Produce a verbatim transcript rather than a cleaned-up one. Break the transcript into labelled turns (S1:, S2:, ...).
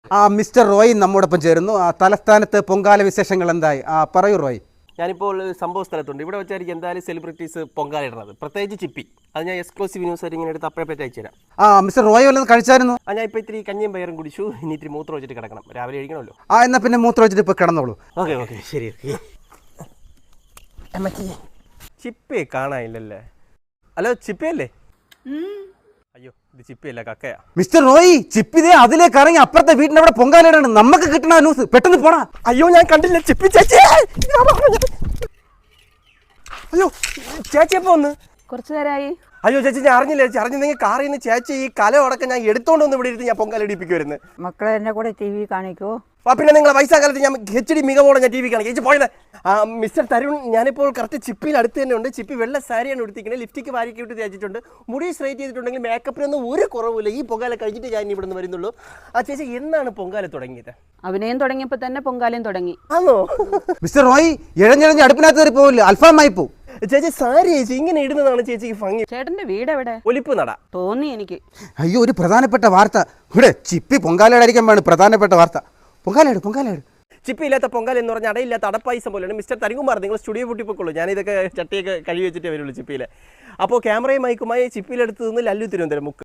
S1: ആ മിസ്റ്റർ റോയ് നമ്മോടൊപ്പം ചേരുന്നു. ആ തലസ്ഥാനത്ത് പൊങ്കാല വിശേഷങ്ങൾ എന്തായി? ആ പറയൂ റോയ്.
S2: ഞാനിപ്പോൾ സംഭവ സ്ഥലത്തുണ്ട്. ഇവിടെ വെച്ചായിരിക്കും എന്തായാലും സെലിബ്രിറ്റീസ് പൊങ്കാല ഇടുന്നത്, പ്രത്യേകിച്ച് ചിപ്പി. അത് ഞാൻ എക്സ്ക്ലൂസീവ് ന്യൂസ് ആയിട്ട് ഇങ്ങനെ എടുത്ത് അപ്പഴേ പറ്റി അയച്ചു തരാം.
S1: ആ മിസ്റ്റർ റോയ് വല്ലതും കഴിച്ചായിരുന്നു?
S2: ആ ഞാൻ ഇപ്പോൾ ഇത്തിരി കഞ്ഞിയും പയറും കുടിച്ചു. ഇനി ഇത്തിരി മൂത്രം വെച്ചിട്ട് കിടക്കണം, രാവിലെ കഴിക്കണമല്ലോ.
S1: ആ എന്നാൽ പിന്നെ മൂത്രം വെച്ചിട്ട് ഇപ്പോൾ കിടന്നോളൂ.
S2: ഓക്കെ ഓക്കെ ശരി. ചിപ്പിയെ കാണാനില്ലല്ലേ? ഹലോ ചിപ്പിയല്ലേ? അയ്യോ ഇത് ചിപ്പിയല്ല, കക്കയാ.
S1: മിസ്റ്റർ റോയ്, ചിപ്പിതേ അതിലേക്ക് ഇറങ്ങി അപ്പുറത്തെ വീടിന്റെ അവിടെ പൊങ്കാലയിടാണ്. നമുക്ക് കിട്ടണ ന്യൂസ് പെട്ടെന്ന് പോടാ.
S2: അയ്യോ ഞാൻ കണ്ടില്ല ചിപ്പി ചേച്ചി. അയ്യോ ചേച്ചി എപ്പോ വന്ന്?
S3: കുറച്ചു നേരമായി.
S2: അയ്യോ ചേച്ചി ഞാൻ അറിഞ്ഞില്ല. ചേച്ചി അറിഞ്ഞെങ്കിൽ കാറിൽ നിന്ന് ചേച്ചി ഈ കലമടക്കം ഞാൻ എടുത്തോണ്ട് വന്ന് ഇവിടെ ഇരുന്ന് ഞാൻ പൊങ്കാല ഇടിപ്പിക്കുമായിരുന്നു.
S3: മക്കളെ എന്നെ കൂടെ ടി വി കാണിക്കോ?
S2: ആ പിന്നെ നിങ്ങളെ വയസ്സാകാലത്ത് ഞാൻ എച്ച് ഡി മികവോടെ ഞാൻ ടി വി കാണിക്കും. ചേച്ചി പോയത് മിസ്റ്റർ തരുൺ, ഞാനിപ്പോൾ കറക്റ്റ് ചിപ്പിയിൽ അടുത്ത് തന്നെ ഉണ്ട്. ചിപ്പി വെള്ള സാരിയാണ് എടുത്തിരിക്കുന്നത്, ലിഫ്റ്റിക്ക് വാരിക്ക് വിട്ട് തേച്ചിട്ടുണ്ട്, മുടി സ്ട്രൈറ്റ് ചെയ്തിട്ടുണ്ടെങ്കിൽ മേക്കപ്പിനൊന്നും ഒരു കുറവില്ല. ഈ പൊങ്കാല കഴിഞ്ഞിട്ട് ഞാൻ ഇവിടെ നിന്ന് വരുന്നുള്ളൂ. ആ ചേച്ചി എന്നാണ് പൊങ്കാല തുടങ്ങിയത്?
S3: അഭിനയം തുടങ്ങിയപ്പോൾ തന്നെ പൊങ്കാലയും തുടങ്ങി.
S2: ആണോ?
S1: മിസ്റ്റർ റോയ്, ഇഴഞ്ഞിഴഞ്ഞ് അടുപ്പിനകത്ത് കയറി പോവില്ല, അൽഫാമായി പോവും.
S2: ചേച്ചി സാരി ചേച്ചി ഇങ്ങനെ ഇടുന്നതാണ് ചേച്ചിക്ക് ഭംഗി.
S3: ചേട്ടന്റെ വീട് എവിടെ?
S2: ഒലിപ്പ് നട.
S3: തോന്നി എനിക്ക്.
S1: അയ്യോ ഒരു പ്രധാനപ്പെട്ട വാർത്ത ഇവിടെ. ചിപ്പി പൊങ്കാലയിടായിരിക്കാൻ വേണം പ്രധാനപ്പെട്ട വാർത്ത. പൊങ്കാലയിട് പൊങ്കാലയിട്.
S2: ചിപ്പി ഇല്ലാത്ത പൊങ്കാല എന്ന് പറഞ്ഞാൽ അടയില്ലാത്ത അടപ്പായസം പോലെയാണ്. മിസ്റ്റർ തരികുമാർ, നിങ്ങൾ സ്റ്റുഡിയോ പൊട്ടിപ്പോക്കുള്ളൂ. ഞാനിതൊക്കെ ചട്ടിയൊക്കെ കഴുകി വെച്ചിട്ടേ വരുള്ളൂ ചിപ്പിയിൽ. അപ്പോൾ ക്യാമറയും മൈക്കുമായി ചിപ്പിയിലെടുത്ത് നിന്ന് ലല്ലു തിരുവനന്തപുരം മുക്ക്.